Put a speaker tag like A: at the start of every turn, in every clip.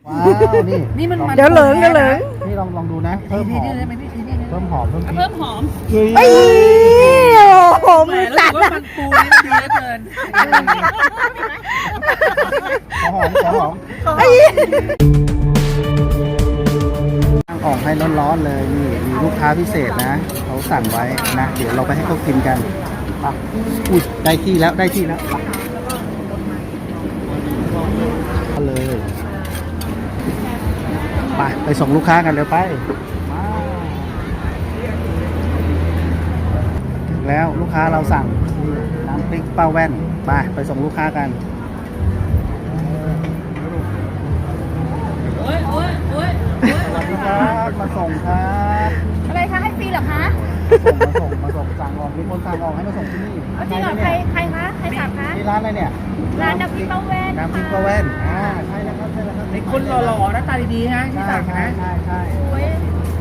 A: ว้าวนี่มัน
B: เดี๋ยวเหลิง
A: นี่ลองดูนะเพิ่มหอมเพิ่มหอมเพิ่มพริก
C: เพิ่มหอม
B: ไอ้โอ้โหมือสั่น
C: ว่ามันปูนี่มันดีเหลือเกิน
A: ขอหอม
B: ไอ้
A: ตั้งออกให้ร้อนๆเลยนี่มีลูกค้าพิเศษนะเขาสั่งไว้นะเดี๋ยวเราไปให้เขากินกันไปอุ้ยได้ที่แล้วไปเลยไปส่งลูกค้ากันเร็วไปมาถึงแล้วลูกค้าเราสั่งนี่น้ำพริกป้าแว่นไปส่งลูกค้ากัน
C: โอ้ย
A: สวัสดีครับมาส่งครับ
D: อะไรคะให้ฟรีเหรอคะ
A: มาส่งสั่งออกมีคนสั่งออกให้มาส่งที่นี่
D: เอาจริงเหรอใครคะใครสั่งคะ
A: ที่ร้านอะไรเนี่ย
D: ร้านน้ำพริกป้าแว่น
A: น้ำพริกป้าแว่นใช่แล้วครับ
C: ไอ้คนหล่อๆหน้าตาดีๆนะที่สั่งนะ
A: ใช่
D: โอ้ย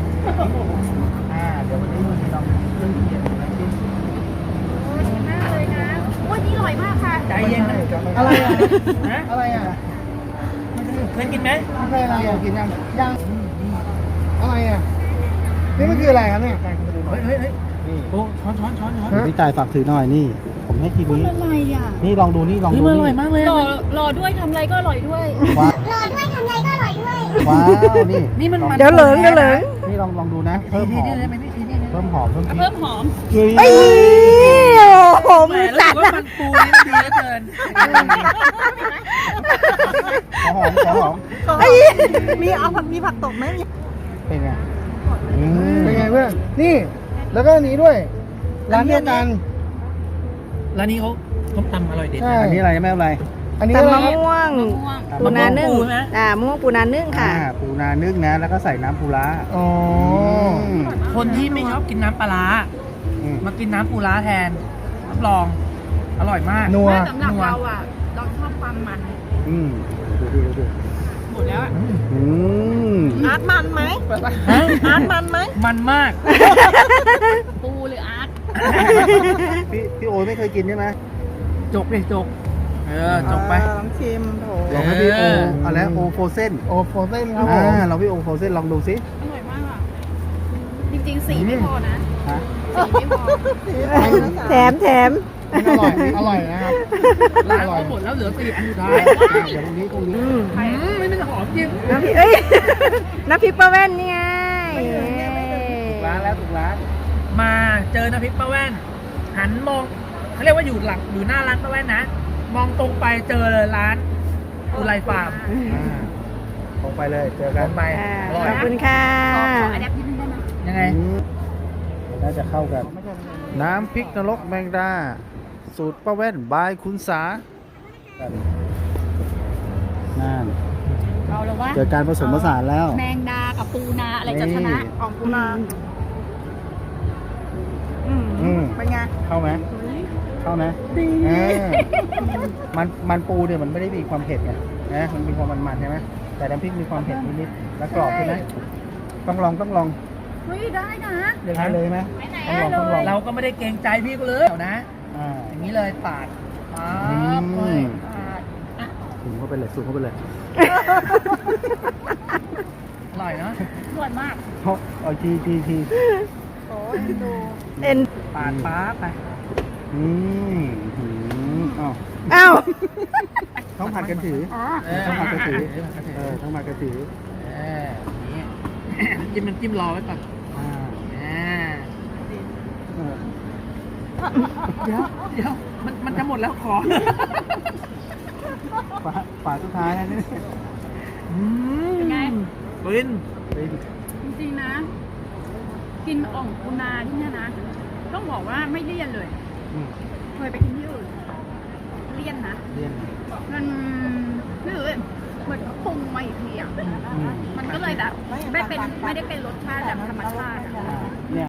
A: เดี๋ยววันนี้มันลองเรื่องเขียนนะที่
D: โอ้ยดีมากเลยนะโอ้ยนี่อร่อยมากค่ะ
C: ใจเย็นนะ
A: อะไรอ่ะ
C: ฮะ
A: อะไรอ่ะ
C: เคยกินไหม
A: ไม่ใช่อะไรอ่ะกินยังอะไรอ่ะนี่มันคืออะไรครับเนี่ย
C: เฮ้ย
A: นี่
C: โอ้ช้อน
A: พี่ตายฝากถือหน่อยนี่ ผมให้ทีนี้
D: อะไรอ่ะ
A: นี่ลองดูนี่ลอง
C: เฮ้ย
A: ดู
C: มันอ
A: นี่
C: ร่อยมากเลย
D: รอด้วยทำอะไรก็อร่อยด้วย
A: ว้าว
D: รอด้วยทำอะไรก็อร่อยด้วย
A: ว้าวนี่
C: นี่มัน
B: เดี๋ยวเหลิง
A: นี่ลองดูนะเพิ่มหอมเพิ่มหอมเพิ่มพริก
C: เพิ่มหอม
B: ไอ้โอ้โหมือสั่น
C: ว่ามันปูนี่มันดีเหลือเกิน
A: ขอหอม
B: ไอ้มีผักตบไหม
A: เป็นไงเป็นไงเพื่อนนี่แล้วก็อันนี้ด้วยร้านเดียวกัน
C: ร้านนี้เขาต้มตำอร่อยเด็ด
A: อันนี้อะไรไม่อะไรอันนี้
B: ตำ
A: อะไร
B: มะม่วงปูนานึ่ง
C: มะม่วงปูนะ
B: มะม่วงปูนานึ่งค่ะ
A: ปูนานึ่งนะแล้วก็ใส่น้ำปูร้าอ๋อ
C: คนที่ไม่ชอบกินน้ำปลาร้ามากินน้ำปูร้าแทนรับรองอร่อยมาก
A: นัว
D: สำหรับเราอ่ะเราชอบความมัน
A: ดู
C: หมดแล้ว
B: อาร์ตมันไหม
C: ฮะ
B: อาร์ตมันไหม
C: มันมาก
D: ปูหรืออาร์ต
A: พี่โอ้ยไม่เคยกินใช่ไหม
C: จกเลยจกจกไป
B: ลองชิมโถ
A: ลองให้พี่โออะไรโอโฟเซนครับเราพี่โอโฟเซนลองดูสิ
D: อร่อยมากอ่ะจริงๆสีไม่พอนะ
A: ฮะ
D: สีไม่พอ
B: แถม
A: อร่อยนะครับ
C: ร้านเขาหมดแล้วเหลือ4อันสุดท้าย
A: เดี๋ยวตรงนี้
C: ไม่เป็นหอมจริง
B: น้ำพริกน้ำพริกป้าแว่นนี่ไง
A: ถูกร้าน
C: มาเจอน้ำพริกป้าแว่นหันมองเขาเรียกว่าอยู่หน้าร้านป้าแว่นนะมองตรงไปเจอเลยร้านอุไรฟาร์ม
A: ลงไปเลยเจอกัน
C: ไปอร่อย
B: ขอบคุณค่ะ
D: ขออันดับนิดนึงได้ไหม
C: ยังไง
A: น่าจะเข้ากัน น้ำพริกนรกแมงดาสูตรป้าแว่นบายคุณสานั่น
D: เอาแล้วว่า
A: เจอการผสมผสานแล้ว
D: แมงดากับปูนาอะไรจะชนะ
B: ของปูนา เป็นไง
A: เข้าไหมเข้านะมันปูเนี่ยมันไม่ได้มีความเผ็ดไงนะมันมีความมันๆใช่ไหมแต่น้ำพริกมีความเผ็ดนิดๆและกรอบใช่ไหมต้องลอง
D: เฮ้ยได้นะ
A: อย่างนี้เลยไหม
D: ไปไหน
A: ต้องลอง
C: เราก็ไม่ได้เกรงใจพี่ก็เลยเดี๋ยวนะ อย่างนี้เลยปาดปั๊บเลยปาด
A: สูงเข้าไปเลย
C: อร่อยเนาะ
D: สวยมาก
A: เอาที
B: เอ็น
C: ปาดปั๊บไป
B: อ้าว
A: ต้องผัดกันถือ ต้องผัดกันถือต้องผัดกันถือ
C: นี่จิ้มน้ำจิ้มรอไว้ก่อนเดี๋ยวมันจะหมดแล้วขอ
A: ฝาสุดท้ายนะนี่
D: เป็นไง
C: ฟิน
D: จริงๆนะ กินอ่องปูนาที่เนี่ยนะ ต้องบอกว่าไม่เลี่ยนเลย เคยไปกินที่อื่นเลี่ยนนะ
A: เรียน
D: มันไม่รู้เลยเหมือนปรุงมาอีกทีอ่ะมันก็เลยแบบไม่ได้เป็นรสชาติแบบธรรมชาติอะ
A: เนี่ย